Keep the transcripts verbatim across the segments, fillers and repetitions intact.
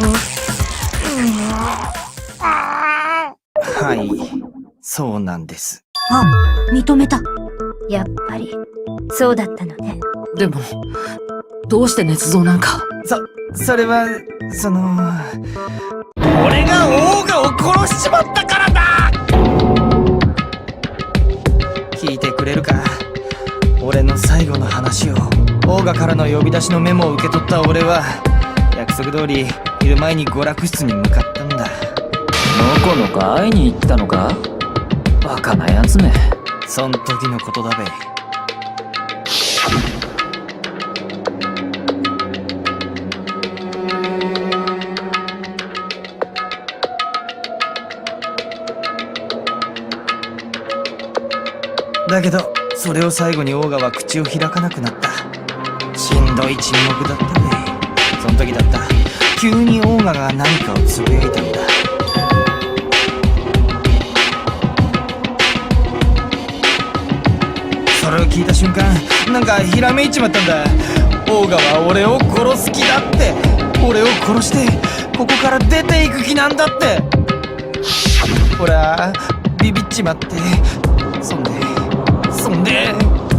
はい、そうなんです。 あ、認めた。やっぱりそうだったのね。 でもどうして捏造なんか。 そ、それはその俺がオーガを殺しちまったからだ。聞いてくれるか。俺の最後の話を。オーガからの呼び出しのメモを受け取った俺は約束通り昼前に娯楽室に向かったんだ。 のこのこ会いに行ったのか。バカなやつめ。 そん時のことだべ。だけどそれを最後にオーガは口を開かなくなった。しんどい沈黙だったね。その時だった。急にオーガが何かをつぶやいたんだ。それを聞いた瞬間なんかひらめいちまったんだ。オーガは俺を殺す気だって。俺を殺してここから出ていく気なんだって。俺はビビっちまって、そんでそんで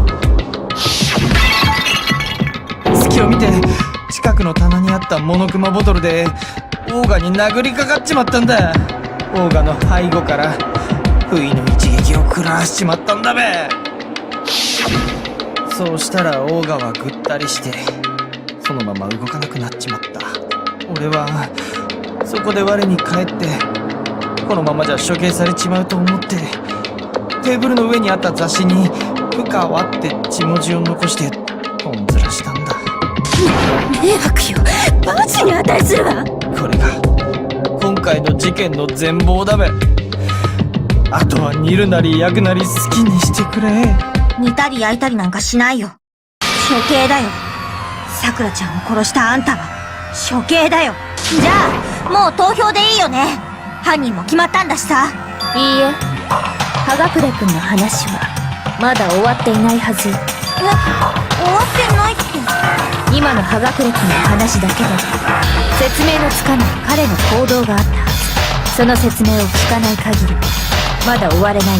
隙を見て近くの棚にあったモノクマボトルでオーガに殴りかかっちまったんだ。オーガの背後から不意の一撃を食らわしちまったんだべ。そうしたらオーガはぐったりしてそのまま動かなくなっちまった。俺はそこで我に返ってこのままじゃ処刑されちまうと思ってテーブルの上にあった雑誌に「深川」って血文字を残してとんずらしたんだ。 迷惑よ。バチに値するわ。 これが今回の事件の全貌だべ。あとは煮るなり焼くなり好きにしてくれ。 煮たり焼いたりなんかしないよ。処刑だよ。さくらちゃんを殺したあんたは処刑だよ。じゃあもう投票でいいよね。犯人も決まったんだしさ。 いいえ、葉隠君の話はまだ終わっていないはず。 え、終わってないって。 今の葉隠君の話だけで説明のつかない彼の行動があったはず。その説明を聞かない限りまだ終われない。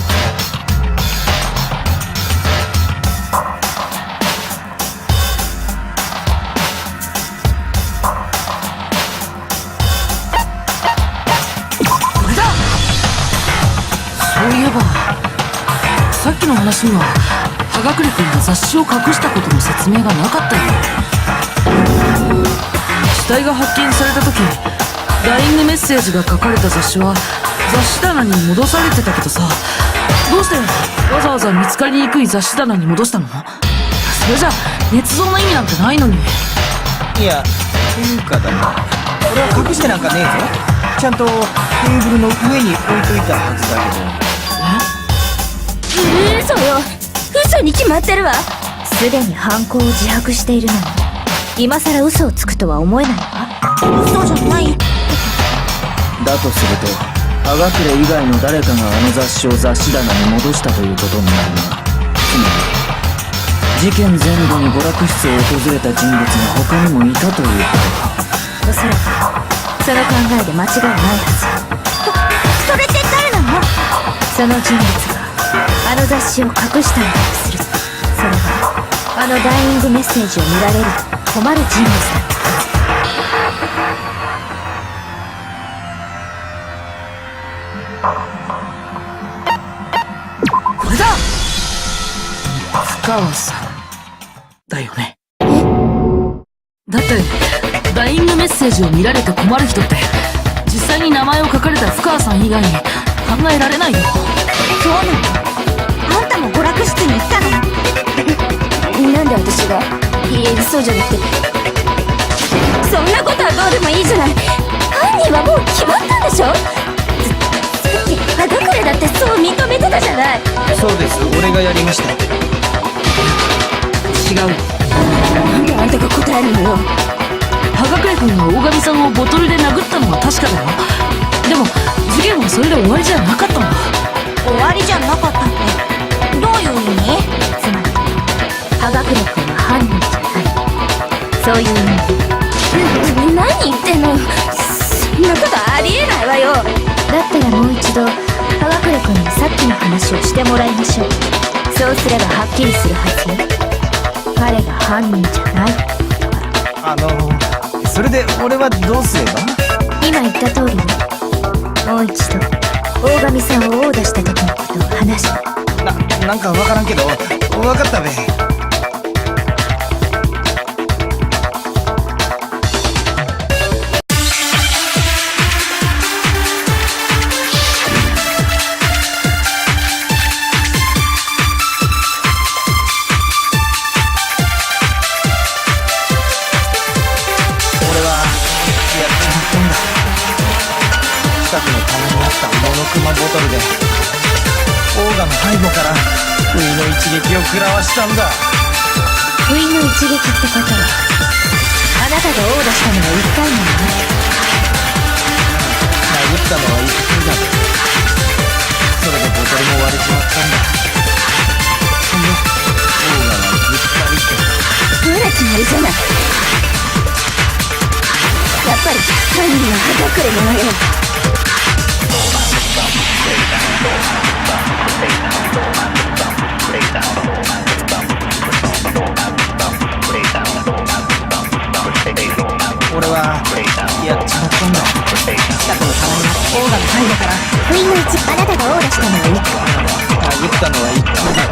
そういえばさっきの話には葉隠君が雑誌を隠したことの説明がなかったよ。死体が発見された時ダイイングメッセージが書かれた雑誌は雑誌棚に戻されてたけどさ、どうしてわざわざ見つかりにくい雑誌棚に戻したの？それじゃ捏造の意味なんてないのに。 いや、というかだな、俺は隠してなんかねえぞ。ちゃんとテーブルの上に置いといたはずだけど。 え？嘘よ。嘘に決まってるわ。すでに犯行を自白しているのに今さら嘘をつくとは思えないわ。 嘘じゃない。 だとすると葉隠以外の誰かがあの雑誌を雑誌棚に戻したということになるな。つまり事件前後に娯楽室を訪れた人物が他にもいたということか。 おそらくその考えで間違いないはず。 それって誰なの？ その人物があの雑誌を隠したのだとする。それはあのダイイングメッセージを見られると困る人物だった。 これだ！深川さんだよね。だってダイイングメッセージを見られて困る人って実際に名前を書かれた深川さん以外に考えられないよ。 そうなの？あんたも娯楽室に行ったの？ なんで私が？いいえ、そうじゃなくて。 そんなことはどうでもいいじゃない。犯人はもう決まったんでしょ？さっき葉隠だってそう認めてたじゃない。 そうです、俺がやりました。 違う。 なんであんたが答えるのよ。 葉隠君が大神さんをボトルで殴ったのは確かだよ。でも事件はそれで終わりじゃなかったんだ。 終わりじゃなかったってどういう意味？ つまり葉隠君は犯人じゃない、そういう意味。 何言ってんの？ てもらいましょう。そうすればはっきりするはずよ。彼が犯人じゃない。 あのそれで俺はどうすれば？ 今言った通りよ。もう一度大神さんを殴打した時のことを話して。 な、なんかわからんけどわかったべ。近くの棚にあったモノクマボトルでオーガの背後から不意の一撃を食らわしたんだ。 不意の一撃ってことは、あなたが殴打したのはいっかいなのね。 殴ったのはいっかいだ。それでボトルも割れちまったんだ。そんでオーガはぐったりしてほら決まりじゃない。やっぱり犯人は葉隠れなのよ。 俺はやっちまったんだ。近くの棚にオーガの背後から不意の一あなたが殴打したのはいっかい。 殴ったのはいっかいだ。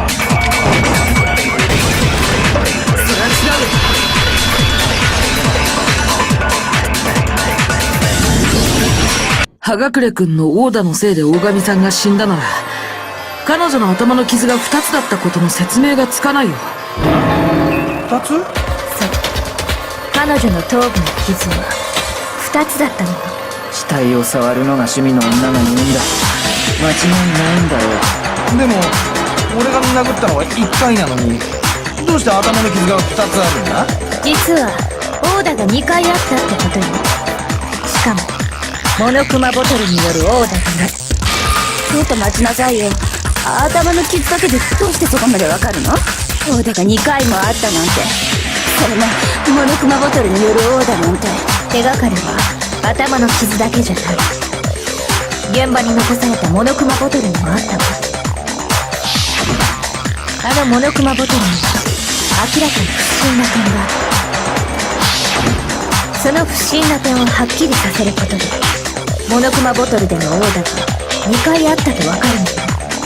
それは違うよ。葉隠れくんの殴打のせいで大神さんが死んだなら、彼女の頭の傷が二つだったことの説明がつかないよ。 二つ？ そう。彼女の頭部の傷は二つだったのよ。 死体を触るのが趣味の女が言うんだ。間違いないんだろう。 でも俺が殴ったのはいっかいなのに、どうして頭の傷がふたつあるんだ？ 実は殴打がにかいあったってことよ。しかもモノクマボトルによる殴打がない。ちょっと待ちなさいよ。頭の傷だけでどうしてそこまでわかるの？殴打がにかいもあったなんて。それもモノクマボトルによる殴打なんて。手がかりは頭の傷だけじゃない。現場に残されたモノクマボトルにもあったわ。あのモノクマボトルには明らかに不審な点があった。その不審な点をはっきりさせることでモノクマボトルでの殴打がにかいあったとわかるのよ。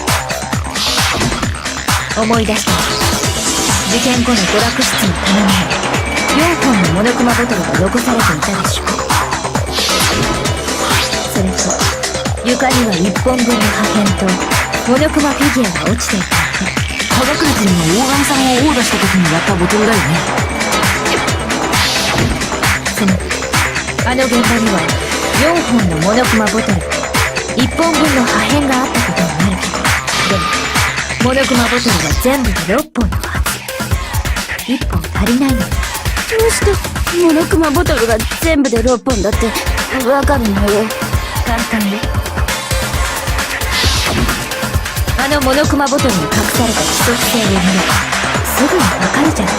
思い出したわ。事件後の娯楽室の棚にはよんほんのモノクマボトルが残されていたでしょう。それと床にはいっぽんぶんの破片とモノクマフィギュアが落ちていたわけ。 葉隠れくんが大神さんを殴打した時に割ったボトルだよね。 そのあの現場にはよんほんのモノクマボトルいっぽんぶんの破片があったことになるけど、でもモノクマボトルは全部でろっぽんのはず。いっぽん足りないのよ。どうしてモノクマボトルが全部でろっぽんだってわかるのよ。簡単よ。あのモノクマボトルに隠された規則性を見ればすぐにわかるじゃない。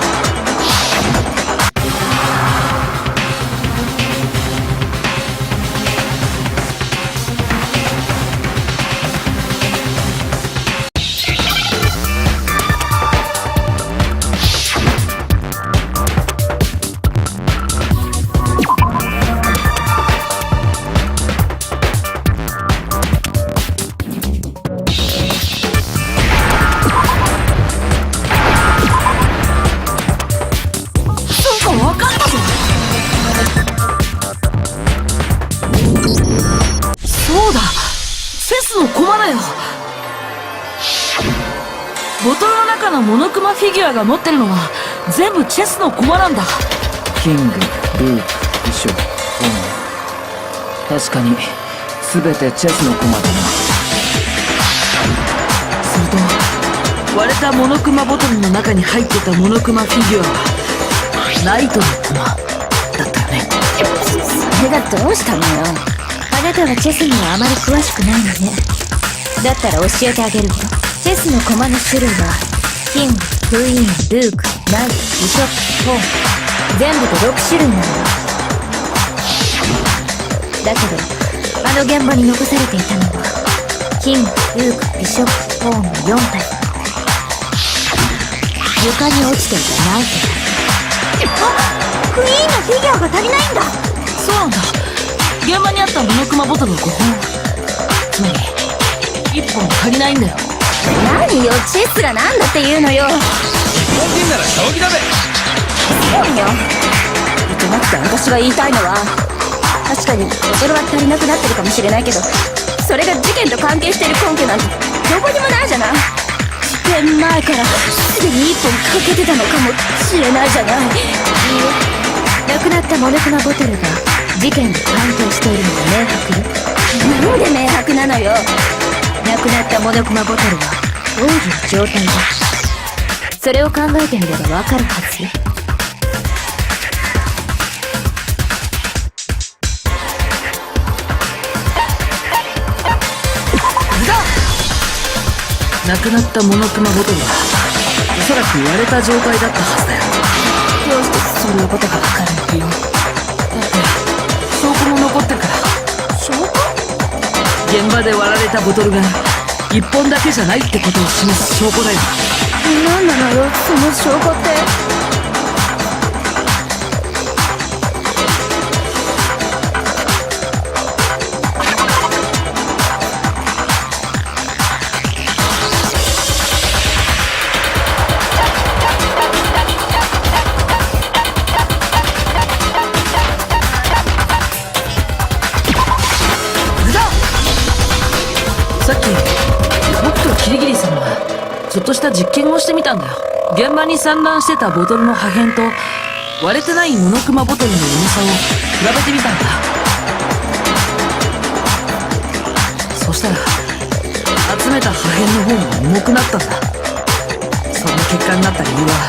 ボトルの中のモノクマフィギュアが持ってるのは全部チェスの駒なんだ。 キング、ルーク、ビショップ、オー。確かに全てチェスの駒だな。 すると割れたモノクマボトルの中に入ってたモノクマフィギュアはナイトの駒だったよね。 それがどうしたのよ。あなたはチェスにはあまり詳しくないのね。だったら教えてあげるわ。チェスの駒の種類はキング、クイーン、ルーク、ナイト、ビショップ、ポーン、全部でろくしゅるいなのよ。だけどあの現場に残されていたのはキング、ルーク、ビショップ、ポホームよん体。床に落ちていたナイフあ、クイーンのフィギュアが足りないんだ。 そうなんだ。現場にあったモノクマボトルがごほん。つまり、いっぽん足りないんだよ。 何よ、チェスがなんだって言うのよ。 日本人なら将棋だべ。 そうよ。じゃなくて私が言いたいのは、確かにボトルは足りなくなってるかもしれないけど、それが事件と関係している根拠なんてどこにもないじゃない。事件前からすでに一本かけてたのかもしれないじゃない。いいえ、亡くなったモノクマボトルが事件と関係しているのは明白よ。なんで明白なのよ。亡くなったモノクマボトルはどういう状態だ。それを考えてみればわかるはずよ。 亡くなったモノクマボトルはおそらく割れた状態だったはずだよ。 どうしてそういうことがわかるのよ。 だって証拠も残ってるから。 証拠？ 現場で割られたボトルがいっぽんだけじゃないってことを示す証拠だよ。 何なのよ、その証拠って。 さっき僕とキリギリさんはちょっとした実験をしてみたんだよ。現場に散乱してたボトルの破片と割れてないモノクマボトルの重さを比べてみたんだ。そしたら集めた破片の方が重くなったんだ。その結果になった理由は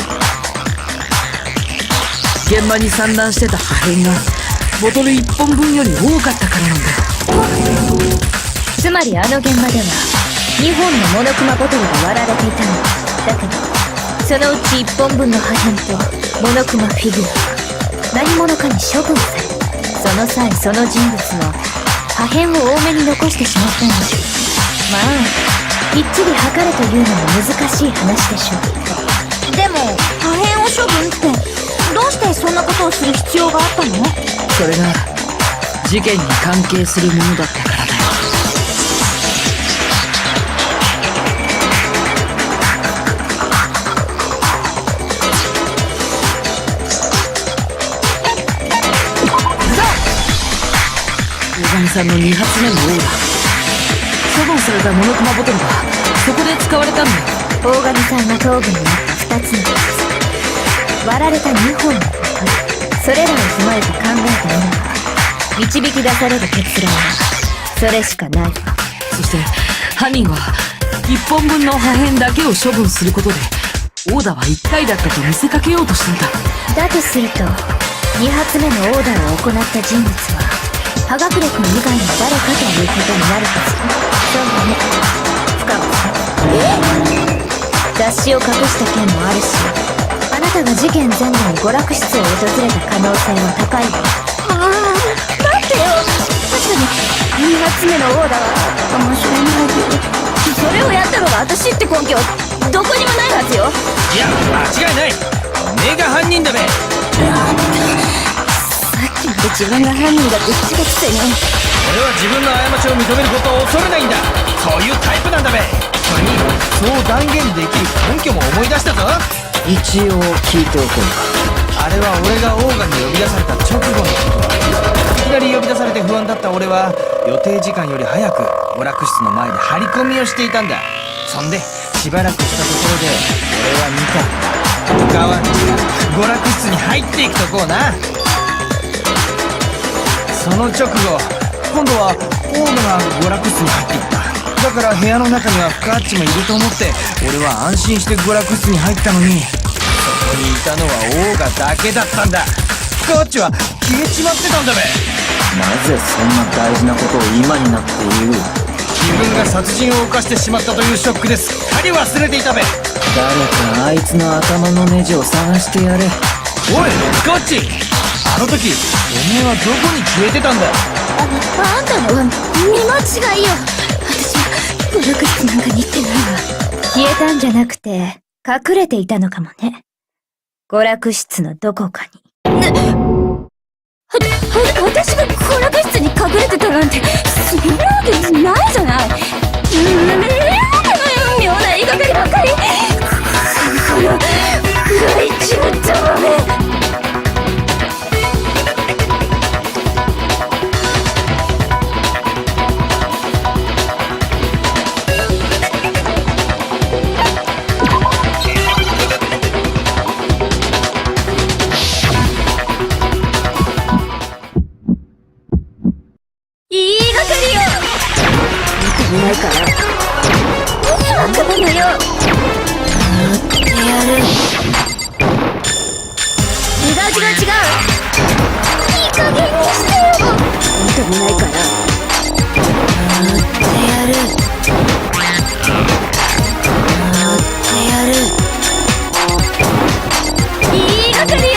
現場に散乱してた破片がボトルいっぽんぶんより多かったからなんだよ。 つまりあの現場ではにほんのモノクマボトルが割られていたのだけど、そのうちいっぽんぶんの破片とモノクマフィギュア何者かに処分され、その際その人物は破片を多めに残してしまったんでしょう。まあきっちり測れというのも難しい話でしょう。 でも破片を処分ってどうしてそんなことをする必要があったの？ それが事件に関係するものだったからだよ。大神さんのに発目のオーダー、処分されたモノクマボトルがそこで使われたんだよ。 大神さんの頭部にあったふたつの傷、割られたにほんのボトル、それらを踏まえて考えてみれば導き出される結論はそれしかないわ。 そして犯人はいっぽんぶんの破片だけを処分することでオーダーはいっかいだったと見せかけようとしていた。 だとするとに発目のオーダーを行った人物は葉学力以外の誰かということになるはず。そうだね、深尾さん。雑誌を隠した件もあるし、あなたが事件前後に娯楽室を訪れた可能性は高いわ。ああ、待ってよ。確かにに発目のオーダーは面白いないけど、それをやったのが私って根拠はどこにもないはずよ。 いや間違いない。おめえが犯人だべ。 さっきまで自分が犯人だって言ってたくせに。 俺は自分の過ちを認めることを恐れないんだ。そういうタイプなんだべ。それにそう断言できる根拠も思い出したぞ。 一応聞いておこうか。 あれは俺がオーガに呼び出された直後のことだ。いきなり呼び出されて不安だった俺は予定時間より早く娯楽室の前で張り込みをしていたんだ。そんでしばらくしたところで俺は見たガワンチが娯楽室に入っていくとこをな。その直後今度はオーガが娯楽室に入っていった。だから部屋の中にはフカッチもいると思って俺は安心して娯楽室に入ったのに、そこにいたのはオーガだけだったんだ。フカッチは消えちまってたんだべ。 なぜそんな大事なことを今になって言う。 自分が殺人を犯してしまったというショックですっかり忘れていたべ。 誰かあいつの頭のネジを探してやれ。 おいフカッチ、あの時おめえはどこに消えてたんだ。 あ、あんたのは見間違いよ。私は娯楽室なんかに行ってないわ。消えたんじゃなくて、隠れていたのかもね。娯楽室のどこかに。は、は、私が娯楽室に隠れてたなんて、そんなわけないじゃない。うん、妙な言いがかりばっかり。この、古いちぶった豆。ないから何が来るのよ。やってやる。違う違う違う、いい加減にしてよ。認めないからやってやる。やってやる。言いがかりよ。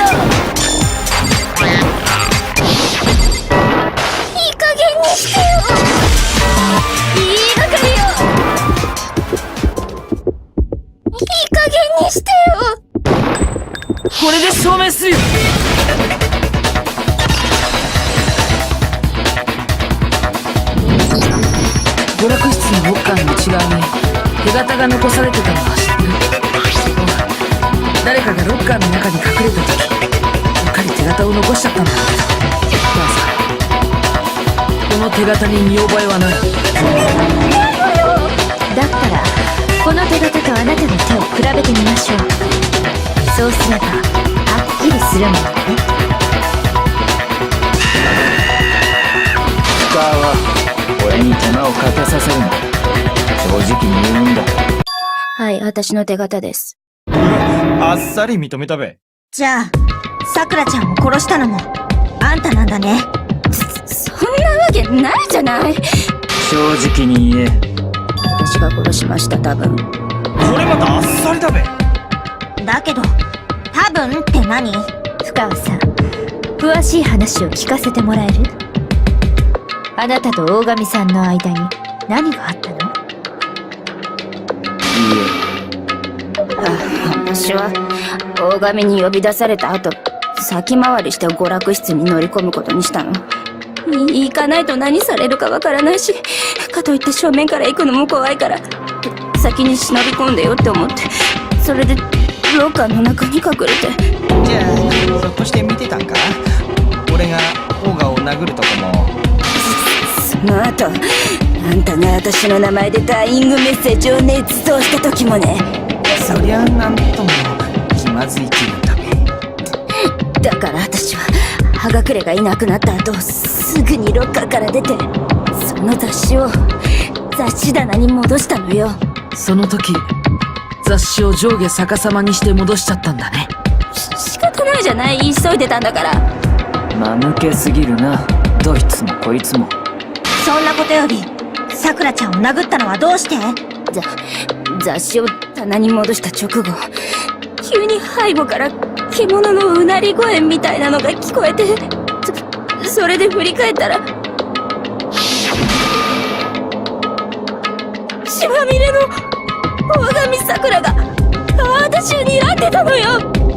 いい加減にしてよ。してよ。 これで証明するよ。娯楽室のロッカーの内側に手形が残されてたのは知ってる。誰かがロッカーの中に隠れた時うっかり手形を残しちゃったんだけど、母さん、この手形に見覚えはない。 だったらこの手形とあなたの手を比べてみましょう。そうすればはっきりするものね。 スカーは俺に手間をかけさせるな。正直に言うんだ。 はい、私の手形です。 あっさり認めたべ。 じゃあ、さくらちゃんを殺したのもあんたなんだね。 そ、そんなわけないじゃない。 正直に言え。 私が殺しました、多分。 これまたあっさりだべ。 だけど、多分って何？ 深川さん、詳しい話を聞かせてもらえる？あなたと大神さんの間に何があったの？ いいえ。あ、私は大神に呼び出された後、先回りして娯楽室に乗り込むことにしたの。行かないと何されるかわからないし、かといって正面から行くのも怖いから、先に忍び込んでよって思って、それでロッカーの中に隠れて。 じゃあひょっとして見てたんか？俺がオーガを殴るとこも。 その後、あんたが私の名前でダイイングメッセージを捏造した時もね。 そりゃなんとも気まずい気分だべ。 だから私は葉隠れがいなくなった後、すぐにロッカーから出て、その雑誌を雑誌棚に戻したのよ。 その時雑誌を上下逆さまにして戻しちゃったんだね。 し仕方ないじゃない、急いでたんだから。 間抜けすぎるな、どいつもこいつも。 そんなことより、さくらちゃんを殴ったのはどうして？ ざ雑誌を棚に戻した直後、急に背後から獣のうなり声みたいなのが聞こえて、そ、それで振り返ったら、血まみれの大神さくらが私を睨んでたのよ。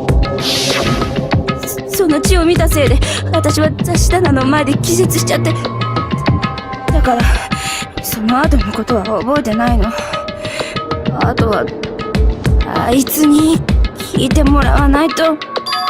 そ、その血を見たせいで私は雑誌棚の前で気絶しちゃって、だからその後のことは覚えてないの。あとはあいつに聞いてもらわないと。出て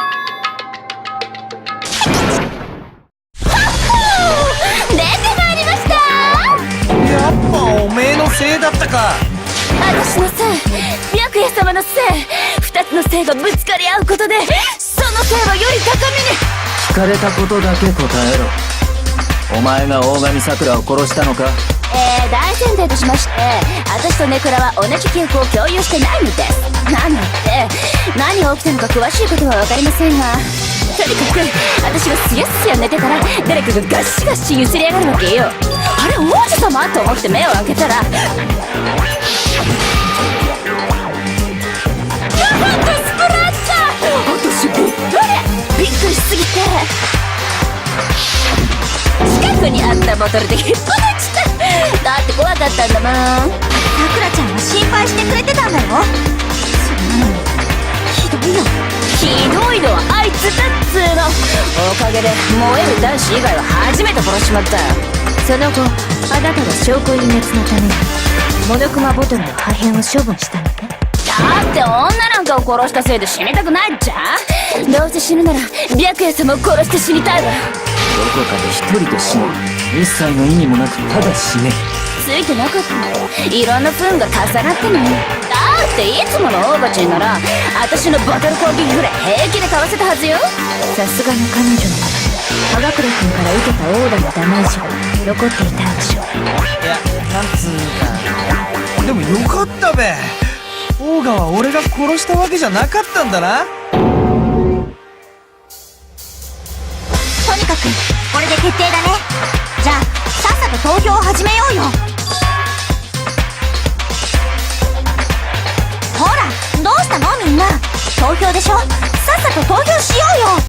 まいりました。 やっぱおめえのせいだったか。 私のせい、白夜様のせい、二つのせいがぶつかり合うことで、そのせいはより高みに。 聞かれたことだけ答えろ。お前が大神桜を殺したのか？ えー、大前提としまして、私とネクラは同じ記憶を共有してないのです。なので、何が起きたのか詳しいことはわかりませんが、とにかく私がすやすや寝てたら誰かがガシガシ揺すりやがるわけよ。あれ王子様と思って目を開けたら、やっとスプラッシャー。私びっくりびっくりしすぎて、近くにあったボトルで引っ張っちゃった。だって怖かったんだもん。 さくらちゃんは心配してくれてたんだよ。そんなのひどいよ。 ひどいのはあいつだっつーの。おかげで燃える男子以外は初めて殺しちまったよ。その後あなたは証拠隠滅のためにモノクマボトルの破片を処分したのね。だって女なんかを殺したせいで死にたくないっちゃ。どうせ死ぬなら白夜様を殺して死にたいわ。 どこかで一人で死ぬ。一切の意味もなくただ死ね。 ついてなかったの。いろんな糞が重なってんのよ。だっていつものオーバチンなら私のボトル攻撃ぐらい平気でかわせたはずよ。さすがの彼女の中に葉隠君から受けたオーダのダメージが残っていたんでしょう。 いや、なんつうか。でもよかったべ。オーガは俺が殺したわけじゃなかったんだな。 とにかくこれで決定だね。じゃあさっさと投票を始めようよ。ほらどうしたのみんな。投票でしょ。さっさと投票しようよ。